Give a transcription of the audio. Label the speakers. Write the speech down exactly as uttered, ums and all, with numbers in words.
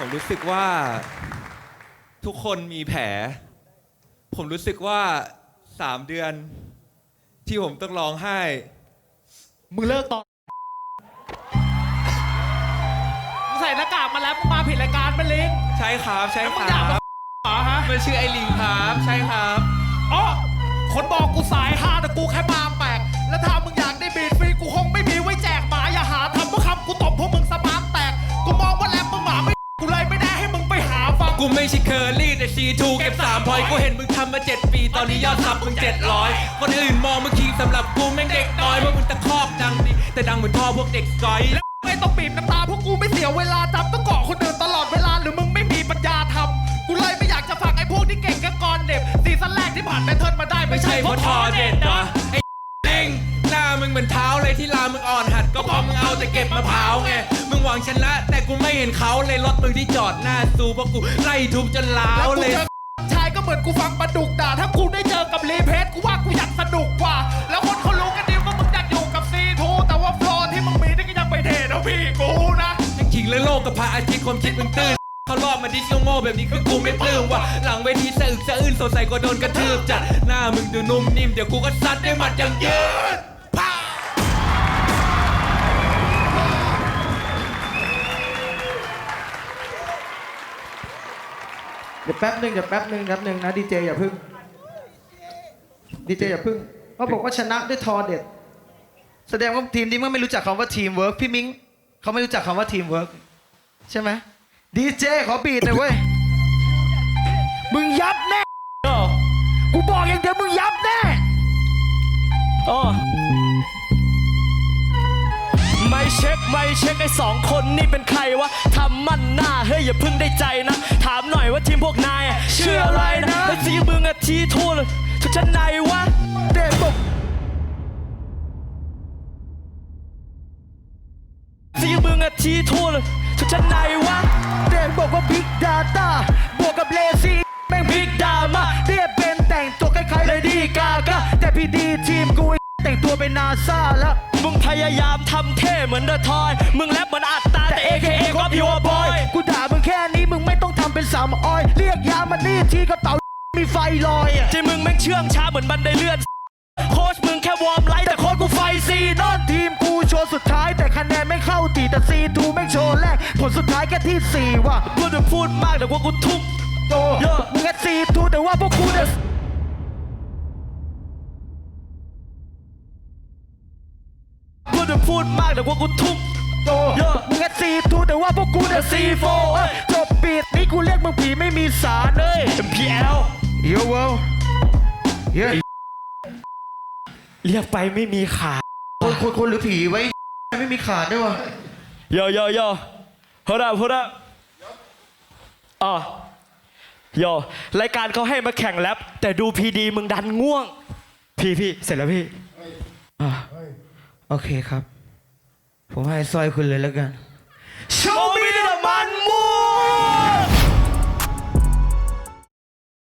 Speaker 1: ผมรู้สึกว่าทุกคนมีแผลผมรู้สึกว่าสามเดือนที่ผมต้องร้องไห้
Speaker 2: มึงเลิกตอนมึงใส่หน้ากากมาแล้วมึงมาผิดรายการมันลิง
Speaker 1: ใช่ครับใช่ค
Speaker 2: มึง
Speaker 1: รั
Speaker 2: อยากมา
Speaker 1: บ
Speaker 2: เหรอฮะ
Speaker 1: มันชื่อไอลิงครับใช่ครับ
Speaker 2: อ๋อคนบอกกูสายฮาแต่กูแค่มาแปลกแล้วถ้ามึงอยากได้บีทฟรีกูคงไม่มีไว้แจกหมาอย่าหาทำเพราะคำกูตบพวกมึงสมานแตกกูมองว่าแรปมึงหมาไม่กูเลยไม่ได้ให้มึงไปหาฟัง
Speaker 1: กูไม่ใช่เคอร์รี่แต่ซีทูเก็บสามพอยกูเห็นมึงทำมาเจ็ดปีตอนนี้ยอดซับมึงเจ็ดร้อยคนอื่นมองมึงคิงสำหรับกูแม่งเด็กน้อยเพราะมึงตะคอกดังดิแต่ดังเหมือนพ่อพวกเด็กสกอย
Speaker 2: แล้วไม่ต้องบีบน้ำตาพวกกูไม่เสียเวลาจำต้องเกาะคนอื่นตลอดเวลาหรือมึงไม่มีปัญญาทำกูเลยไม่อยากจะฟังไอ้พวกที่เก่งแค่กรเด็บซีซั่นแรกที่ผ่านแพทเทิร์นมาได้ไม่ใช่เพราะทอเด็ดนะ
Speaker 1: ไอ้เด้งหน้ามึงเหมือนเท้าเลยที่ลามึงอ่อนหัดก็เพราะมึงเอาแต่เก็บมะพร้าวไงมึงหวังชนะแต่กูไม่เห็นเขาเลยรถมึงที่จอดหน้าซูเพราะกูไล่ทุบจนล้าวเลย
Speaker 2: ชายก็เหมือนกูฟังปลาดุกด่าถ้ากูได้เจอกับรีเพสกูว่ากูอยากสนุกกว่าแล้วคนเขารู้กันดีว่ามึงอยากอยู่กับซีทูแต่ว่าโฟลว์ที่มึงมีนี่ก็ยังไปเทนะพี่กูนะ
Speaker 1: จริงๆแล้วโลกกับพระอาทิตย์ความคิดมึงตื้นเขารอบมาดิสโง่แบบนี้คือกูไม่ปลื้มว่ะหลังเวทีสะอึกสะอื้นสดใสกว่าโดนกระทืบจัดหน้ามึงดูนุ่มนิ่มเดี๋ยวกูก็ซัดด้วยหมัดอย่างยืด
Speaker 3: เดี๋ยวแป๊บหนึ่งเดี๋ยวแป๊บหนึ่งแป๊บหนึ่งนะดีเจอย่าพึ่งดีเจอย่าพึ่งเขาบอกว่าชนะด้วยทอเด็ดแสดงว่าทีมนี้มันไม่รู้จักคำว่าทีมเวิร์กพี่มิ้งเขาไม่รู้จักคำว่าทีมเวิร์กใช่ไหมดีเจขอบีทหน่อยเว้ยมึงยับแน่กูบอกอย่างเดียวมึงยับแน่
Speaker 4: อ๋อไม่เช็คไม่เช็คไอ้สองคนนี่เป็นใครวะทำมั่นหน้าเฮ้ยอย่าเพิ่งได้ใจนะถามหน่อยว่าทีมพวกนายชื่ออะไรนะไอ้สีมึงอะทีทูลชุดชั้นในวะ
Speaker 3: เด็กบอก
Speaker 4: สีมึงอะทีทูลชุดชั้นในวะ
Speaker 3: เด็กบอกว่าบิ๊กดาต้าบวกกับเลซี่แม่งบิ๊กดามาเรียบเป็นแต่งตัวคล้ายๆเลยดีกากะแต่พี่ดีทีมกูแต่งตัวเป็นนาซาแล้ว
Speaker 4: มึงพยายามทำเท่เหมือนเดอะทอยมึงแรปเหมือนอัตตาแต่ เอ เค เอ ก็พิวบอย
Speaker 3: กูด่ามึงแค่นี้มึงไม่ต้องทำเป็นสามออยเรียกยามันนี่ทีกระเป๋ามีไฟลอยอ่ะ
Speaker 4: ใจมึงแม่งเชื่องช้าเหมือนบันไดเลื่อนโค้ชมึงแค่วอร์มไลท์แต่โค้ชกูไฟซีนอน
Speaker 3: ทีมกูโชว์สุดท้ายแต่คะแนนไม่เข้าตีแต่ซีทูแม่งโชว์แรกผลสุดท้ายแค่ที่สี่ว่ะ
Speaker 4: พูดจะพูดมากแต่ว่ากูทุ่ม
Speaker 3: โตมึงแค่ซีทูแต่ว่าพวกกูเนี่ย
Speaker 4: พูดจะพูดมากแต่ว่ากูทุ่ม
Speaker 3: โตมึงแค่ซีทูแต่ว่าพวกกูเนี่ยซีโฟจบปิดนี่กูเรียกมึงผีไม่มีสารเลย
Speaker 4: เอ็ม พี แอล
Speaker 3: เยอะเว้ยเยอะ
Speaker 4: เรียกไปไม่มีขา
Speaker 3: คนคนคนหรือผีไว้ไม่มีขาดด้วยวะ
Speaker 4: โยโยโยเฮ้ยเฮ้ยอ๋อโยรายการเขาให้มาแข่งแรปแต่ดูพีดีมึงดันง่วงพี่พี่เสร็จแล้วพี่
Speaker 3: อ่าโอเคครับผมให้สร้อยคุณเลยแล้วกัน
Speaker 4: Show me the man move